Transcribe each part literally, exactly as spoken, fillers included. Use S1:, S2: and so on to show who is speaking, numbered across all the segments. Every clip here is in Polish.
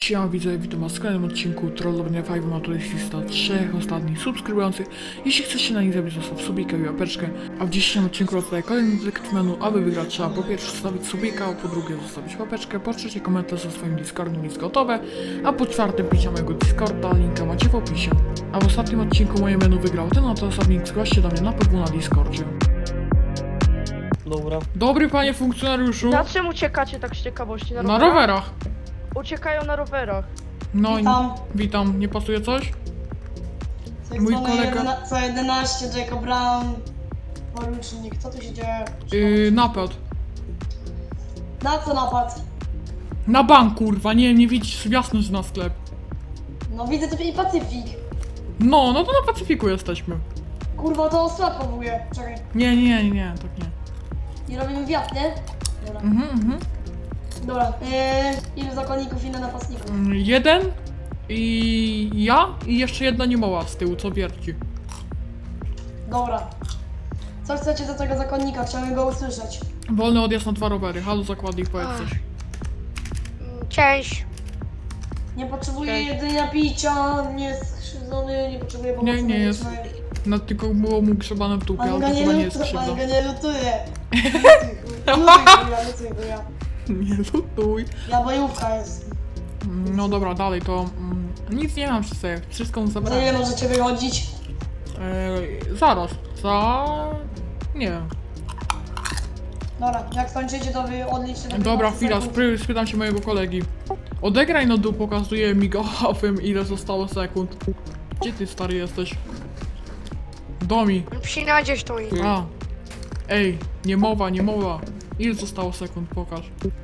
S1: Siema widzowie, witam was w kolejnym odcinku Trollowania pięć, ma tutaj lista trzech ostatnich subskrybujących. Jeśli chcesz się na nich zabić, zostaw subika i łapeczkę. A w dzisiejszym odcinku rozdaję kolejny dylekt menu. Aby wygrać, trzeba po pierwsze zostawić subika, po drugie zostawić łapeczkę, po trzecie komentarz ze swoim Discordem jest gotowe, a po czwarte picie mojego Discorda, linka macie w opisie. A w ostatnim odcinku moje menu wygrał ten oto osobnik, zgłaś się do mnie na P W na Discordzie.
S2: Dobra.
S1: Dobry panie funkcjonariuszu.
S3: Na czym uciekacie tak z ciekawości? Na
S1: Na
S3: rowerach?
S1: rowerach.
S3: Uciekają na rowerach.
S1: No
S4: Witam.
S1: i witam, nie pasuje coś?
S4: Co
S1: Mój
S4: co na
S1: kolega-
S4: jedyna- Co jedenaście, Jacob Brown. Porucznik, co tu się dzieje?
S1: Yy, napad.
S4: Na co napad?
S1: Na bank, kurwa, nie, nie widzisz jasność na sklep.
S4: No widzę tu i Pacyfik.
S1: No, no to na Pacyfiku jesteśmy.
S4: Kurwa, to sklep powołuje. Czekaj.
S1: Nie, nie, nie, nie, tak nie.
S4: I robimy wiatr, nie? Dobra.
S1: Mhm, mhm.
S4: Dobra. Yy, ilu zakonników, ile napastników?
S1: Mm, Jeden i ja i jeszcze jedna niemoła z tyłu, co wierci.
S4: Dobra. Co chcecie do tego zakonnika? Chciałem go usłyszeć.
S1: Wolny odjazd na dwa rowery, halo zakładnik, powiedz coś.
S3: Cześć.
S4: Nie potrzebuję
S3: Cześć.
S4: jedzenia, picia, nie jest skrzywdzony, nie potrzebuję pomocy
S1: Nie, nie jest.
S4: medycznej.
S1: No tylko było mu grzebane w dupie, ale
S4: Pan
S1: to
S4: go nie
S1: chyba nie jest
S4: lutuje,
S1: krzywda.
S4: pan go nie lutuje. Lutuj, lutuj, ja.
S1: Nie lutuj.
S4: Ja bojówka jest.
S1: Mm, No dobra, dalej to... Mm, nic nie mam przy sobie, wszystko mu
S4: Za ile
S1: zabrałem.
S4: możecie wychodzić?
S1: Eee, zaraz, za... Nie wiem.
S4: Dobra, jak skończycie, to wy odliczcie do
S1: Dobra,
S4: piętnastu
S1: chwila,
S4: sekund.
S1: spry- spytam się mojego kolegi. Odegraj no dół, pokazuje migawym ile zostało sekund. Gdzie ty stary jesteś? Domi.
S3: Przynajdziesz to i...
S1: A. Ej, nie mowa, nie mowa. Ile zostało sekund, pokaż.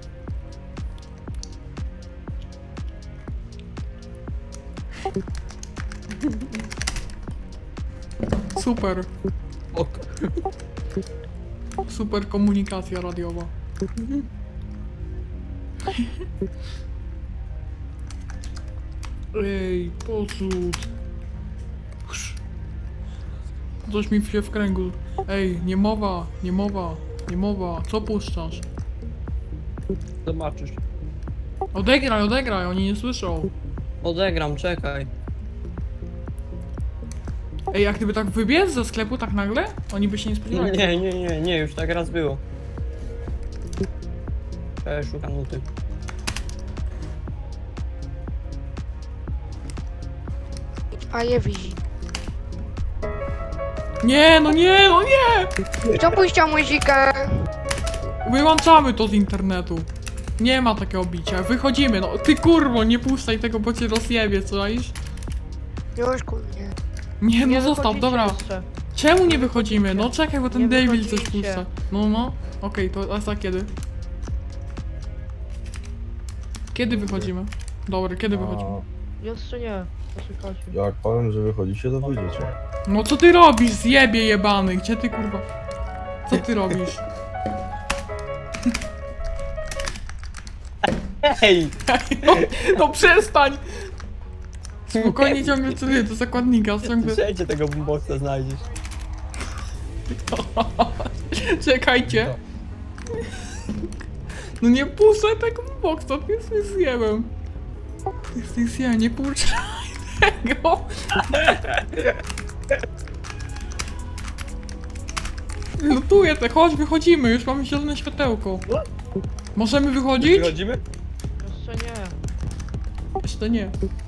S1: Super,
S2: Ok.
S1: super komunikacja radiowa. Ej, pocud. Chrz. Coś mi się w kręgu. Ej, nie mowa, nie mowa, nie mowa. Co puszczasz?
S2: Zobaczysz.
S1: Odegraj, odegraj, oni nie słyszą.
S2: Odegram, czekaj.
S1: Ej, jak gdyby tak wybiec ze sklepu tak nagle? Oni by się nie spodziewali.
S2: Nie, nie, nie, nie, już tak raz było. Cześć, szukam nuty.
S3: A je widzi.
S1: Nie, no nie, no nie!
S3: Kto puścił muzykę?
S1: Wyłączamy to z internetu. Nie ma takiego bicia, wychodzimy, no. Ty kurwo, nie puszczaj tego, bo cię rozjebie, co iż?
S3: Już kurnie.
S1: Nie, no
S3: Nie
S1: zostaw,
S3: wychodzicie
S1: dobra.
S3: jeszcze.
S1: Czemu nie wychodzimy? No czekaj, bo ten
S3: Nie
S1: David coś
S3: wychodzicie.
S1: puszcza. No, no. Okej, to a za kiedy? Kiedy wychodzimy? Dobra, kiedy wychodzimy?
S3: Jeszcze nie. Poczekajcie.
S5: Jak powiem, że wychodzicie, to wyjdziecie.
S1: No co ty robisz, zjebie jebany? Gdzie ty kurwa? Co ty robisz?
S2: Hej!
S1: No, no przestań! Spokojnie ciągle celuję do zakładnika, ciągle...
S2: Wszędzie tego boomboxa znajdziesz.
S1: Czekajcie. No nie puszczaj tego boksa, ty jesteś zjebem. Ty jesteś zjebem, nie puszczaj tego. Lutuję te, chodź, wychodzimy, już mamy zielone światełko. Możemy wychodzić?
S2: Wychodzimy?
S3: Jeszcze nie.
S1: Jeszcze nie.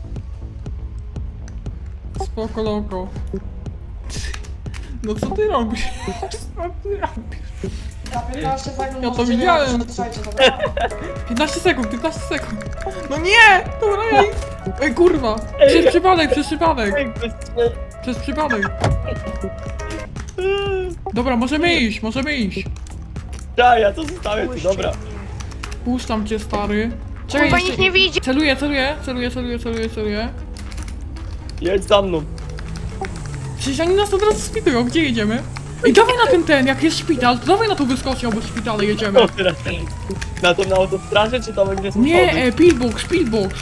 S1: Spoko loko. No co ty robisz? Co ty robisz?
S4: Za piętnaście sekund
S1: Ja to
S4: możecie
S1: widziałem.
S4: wyjechać, Słuchajcie, dobra.
S1: piętnaście sekund, piętnaście sekund. No nie! Dobra, ej! Ej kurwa! Przez przypadek, przez przypadek! Przez przypadek! Dobra, możemy iść, możemy iść.
S2: Ja, ja to zostawię tu, dobra.
S1: Puszczam cię, stary. Czekaj,
S3: Kurwa
S1: jeszcze-
S3: nikt nie widzi.
S1: Celuję, celuję, celuję, celuję, celuję, celuję.
S2: Jedź za mną.
S1: Przecież oni nas od razu spitują, gdzie jedziemy? Ej, dawaj na ten ten, jak jest szpital, to dawaj na tą wyskocznię, obok szpitala jedziemy.
S2: No teraz. Na to na autostradzie, czy tam gdzie są
S1: Nie,
S2: schody?
S1: e, pillbox, pillbox.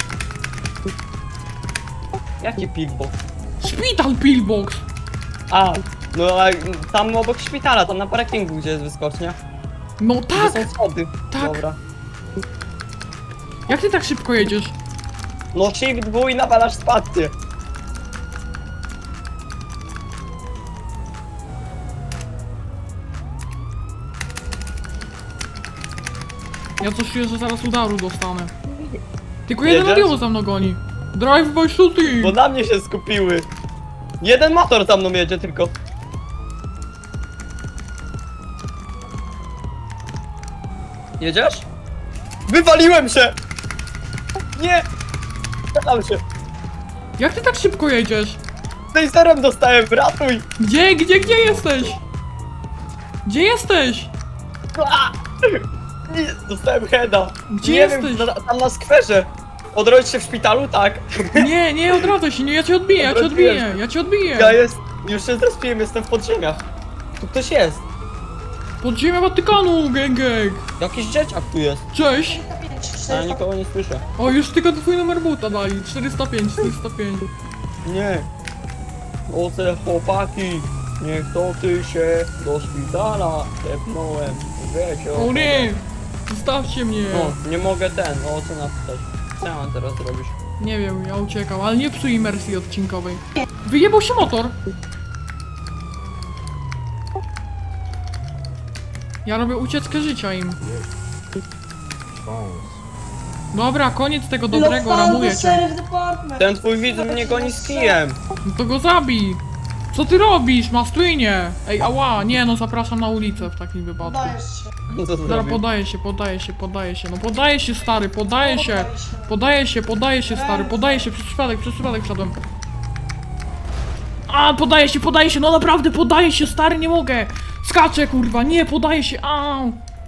S2: Jaki pigbox?
S1: Szpital, pillbox.
S2: A, no a tam obok szpitala, tam na parkingu, gdzie jest wyskocznia.
S1: No
S2: Gdzie
S1: tak!
S2: są schody.
S1: tak.
S2: Dobra.
S1: Jak ty tak szybko jedziesz?
S2: No shift W i nawalasz spację.
S1: Ja coś czuję, że zaraz udaru dostanę. Tylko jeden
S2: Jedziesz?
S1: radio za mną goni. Drive by shooting!
S2: Bo na mnie się skupiły. Jeden motor za mną jedzie tylko. Jedziesz? Wywaliłem się! Nie! Zadam się!
S1: Jak ty tak szybko jedziesz?
S2: Taserem dostałem, ratuj!
S1: Gdzie, gdzie, gdzie jesteś? Gdzie jesteś?
S2: A! Nie, dostałem heada.
S1: Gdzie
S2: nie
S1: jesteś?
S2: Wiem, na, tam na skwerze. Odrodzić się w szpitalu? Tak.
S1: Nie, nie odradzaj się, nie, ja cię odbiję, ja cię odbiję, ja cię odbiję.
S2: Ja jest, już się zrespiłem, jestem w podziemiach. Tu ktoś jest.
S1: Podziemia Watykanu, gang gang.
S2: Jakiś dzieciak tu jest.
S1: Cześć.
S2: Ale nikogo nie słyszę.
S1: O, już tylko twój numer buta dali. czterysta pięć, czterysta pięć.
S2: Nie. O te chłopaki. Niech to ty się do szpitala tepnąłem. Wiecie
S1: O nie! Zostawcie mnie.
S2: No, nie mogę ten, o co napisać. Co ja mam teraz zrobić?
S1: Nie wiem, ja uciekam, ale nie psuj imersji odcinkowej. Wyjebał się motor. Ja robię ucieczkę życia im.
S5: Szans.
S1: Dobra, koniec tego dobrego, ramuję cię.
S4: Sheriff Department.
S2: Ten twój widz mnie goni z kijem.
S1: No to go zabij. Co ty robisz, Mastwinie? Ej, ała, nie no, zapraszam na ulicę w takim wypadku.
S4: Dajesz się.
S2: Co to
S1: Dobra,
S2: zrobił?
S1: podaję się, podaję się, podaję się. No podaję się, stary, podaję się.
S4: Poddaj się.
S1: Podaję się, podaję się, stary, podaję się, przez przypadek, przez przypadek wszedłem. A, podaję się, podaję się, no naprawdę, podaję się, stary, nie mogę. Skaczę, kurwa, nie, podaję się, au.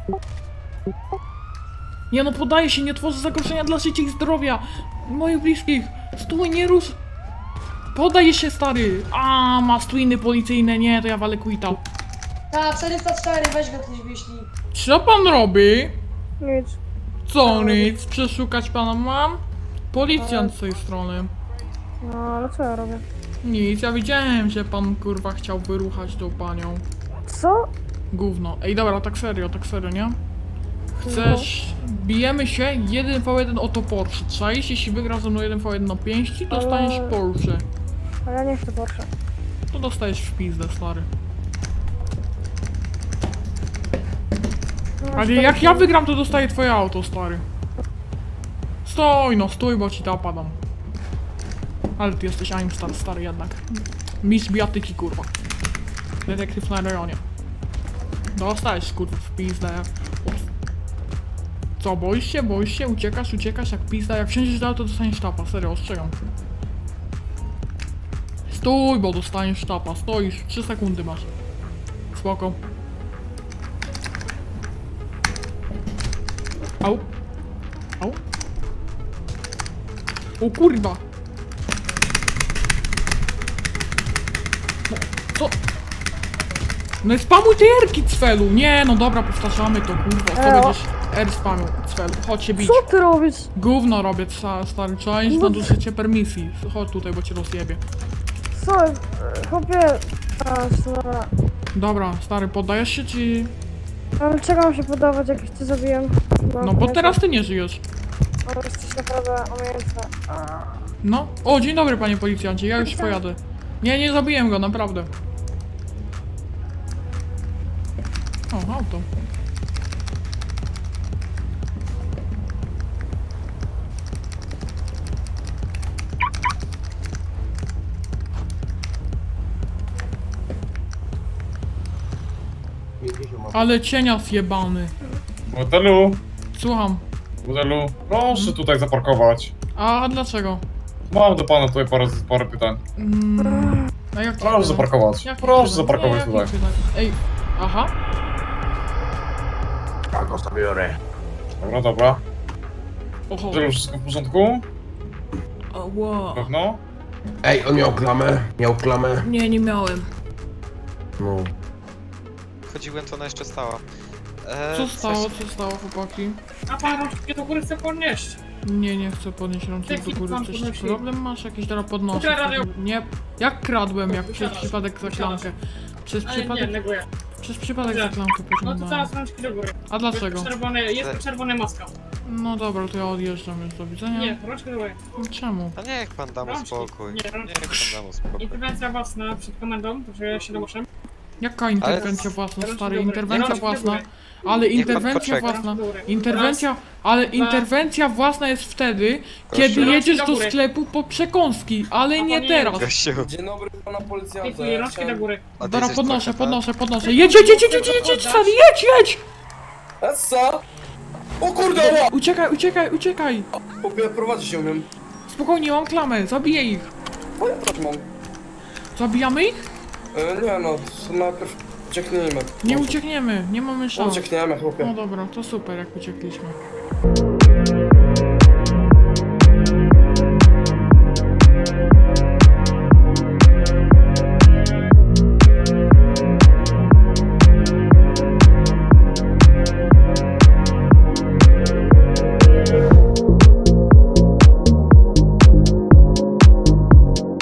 S1: Nie no, podaję się, nie tworzę zagrożenia dla życia i zdrowia moich bliskich. Stój, nie rusz. Podaję się, stary. A, masz twiny policyjne, nie, to ja walę quita.
S4: Ta, czterysta cztery, weź go ktoś wyślij.
S1: Co pan robi?
S3: Nic.
S1: Co nic? Przeszukać pana mam? Policjant z tej strony.
S3: No, ale co ja robię?
S1: Nic, ja widziałem, że pan kurwa chciał wyruchać tą panią.
S3: Co?
S1: Gówno. Ej, dobra, tak serio, tak serio, nie? Chcesz... Bijemy się jeden v jeden o to Porsche. Czaisz? Jeśli wygrasz ze mną jeden v jeden na pięści, dostaniesz
S3: Ale-
S1: Porsche.
S3: A ja nie chcę Porsche.
S1: To dostajesz w pizdę, stary.
S3: No,
S1: Ale jak ja wygram, to dostaję twoje auto, stary. Stój, no stój, bo ci to opadam. Ale ty jesteś Aimstar, stary jednak. Mistrz biatyki, kurwa. Detektyw na rejonie. Dostajesz, kurwa, w pizdę. Co, boisz się, boisz się? Uciekasz, uciekasz jak pizda. Jak wsiądziesz do auto, dostaniesz sztapa, serio, ostrzegam. Stój, bo dostaniesz sztapa, stoisz, trzy sekundy masz. Spoko. Au. Au. O kurwa. No, co? No i spamuj tej erki, cfelu. Nie, no dobra, powtarzamy to, kurwa. Co
S3: Eo.
S1: będziesz R spamił, cfelu. Chodź się bić.
S3: Co ty robisz?
S1: Gówno robię, sta- stary. Trzeba iść na użycie permisji. Chodź tutaj, bo cię rozjebie.
S3: Co? E, Chłopie... A, dobra.
S1: Dobra, stary, poddajesz się, czy...
S3: Ale czego mam się podawać, jak cię zabiłem?
S1: No bo teraz ty nie żyjesz.
S3: O, jesteś naprawdę umiejętny. A.
S1: No. O, dzień dobry, panie policjancie, ja już pojadę. Nie, nie zabiłem go, naprawdę. O, auto. Ale cienia zjebany.
S6: Modelu,
S1: Słucham.
S6: modelu, proszę tutaj zaparkować.
S1: A dlaczego?
S6: Mam do pana tutaj parę, parę pytań.
S1: Mm, a jak
S6: Proszę zaparkować.
S1: Jakich
S6: Proszę
S1: pytań?
S6: zaparkować
S1: Nie,
S6: tutaj.
S1: jakich pytań? Ej, aha.
S5: Ja go zabiorę.
S6: Dobra, dobra.
S1: Oho.
S6: Modelu, wszystko w porządku?
S1: O, wow.
S6: Pewno?
S5: Ej, on miał klamę? Miał klamę?
S1: Nie, nie miałem.
S5: No.
S7: Chodziłem, to ona jeszcze stała. E,
S1: Co
S7: coś-
S1: stało, co stało, chłopaki?
S8: A pan rączki do góry chce podnieść.
S1: Nie, nie chcę podnieść rączek
S8: Jaki
S1: do góry.
S8: pan
S1: Coś
S8: podnosi?
S1: problem masz? Jakiś teraz podnoszę.
S8: Ukradł radio.
S1: Nie, jak kradłem, jak przez
S8: Wysiadasz,
S1: przypadek za
S8: wysiadasz.
S1: klamkę. Przez
S8: Ale nie,
S1: przypadek,
S8: neguję.
S1: przez przypadek za
S8: Dobrze.
S1: klamkę
S8: No to
S1: pociągnąłem.
S8: teraz rączki do góry.
S1: A dlaczego?
S8: Jest czerwony, jest tu czerwona maska.
S1: No dobra, to ja odjeżdżam już, do widzenia.
S8: Nie, rączkę do góry.
S1: No czemu?
S7: A niech pan da mu
S8: Rączki.
S7: spokój.
S8: Nie, rączki.
S7: Niech pan da mu spokój.
S8: Interwencja własna przed komendą, że się domuszę.
S1: Jaka interwencja własna,
S8: Rączki
S1: stary?
S8: do góry.
S1: Interwencja
S8: Rączki do
S1: własna.
S8: góry.
S1: Ale
S7: Niech pan
S1: interwencja
S7: poczeka.
S1: własna.
S8: Rączki do góry.
S1: Interwencja, ale
S8: dwa.
S1: interwencja własna jest wtedy,
S7: Proszę.
S1: kiedy jedziesz
S8: Rączki
S1: do
S8: do góry.
S1: sklepu po przekąski, ale
S8: A
S1: nie
S8: pan
S1: teraz.
S7: Gościu,
S9: Dzień dobry pana policjanta.
S8: Dziękuję,
S9: Ja
S8: rączki do
S9: chciałem...
S8: góry.
S7: a ty
S1: Dobra,
S7: jesteś
S1: podnoszę,
S7: trochę,
S1: podnoszę, podnoszę. Jedź, jedź, jedź, jedź, jedź, jedź, jedź, stary, jedź, jedź!
S9: Essa! O kurde, ła!
S1: Uciekaj, uciekaj, uciekaj!
S9: Chłopie, prowadzić się umiem.
S1: Spokojnie, mam klamę, zabiję ich.
S9: Bo ja też mam.
S1: Zabijamy ich?
S9: E, nie no, to najpierw ucieknijmy.
S1: Nie
S9: No,
S1: uciekniemy, nie mamy szans.
S9: Uciekniemy, chłopie.
S1: No dobra, to super, jak uciekliśmy.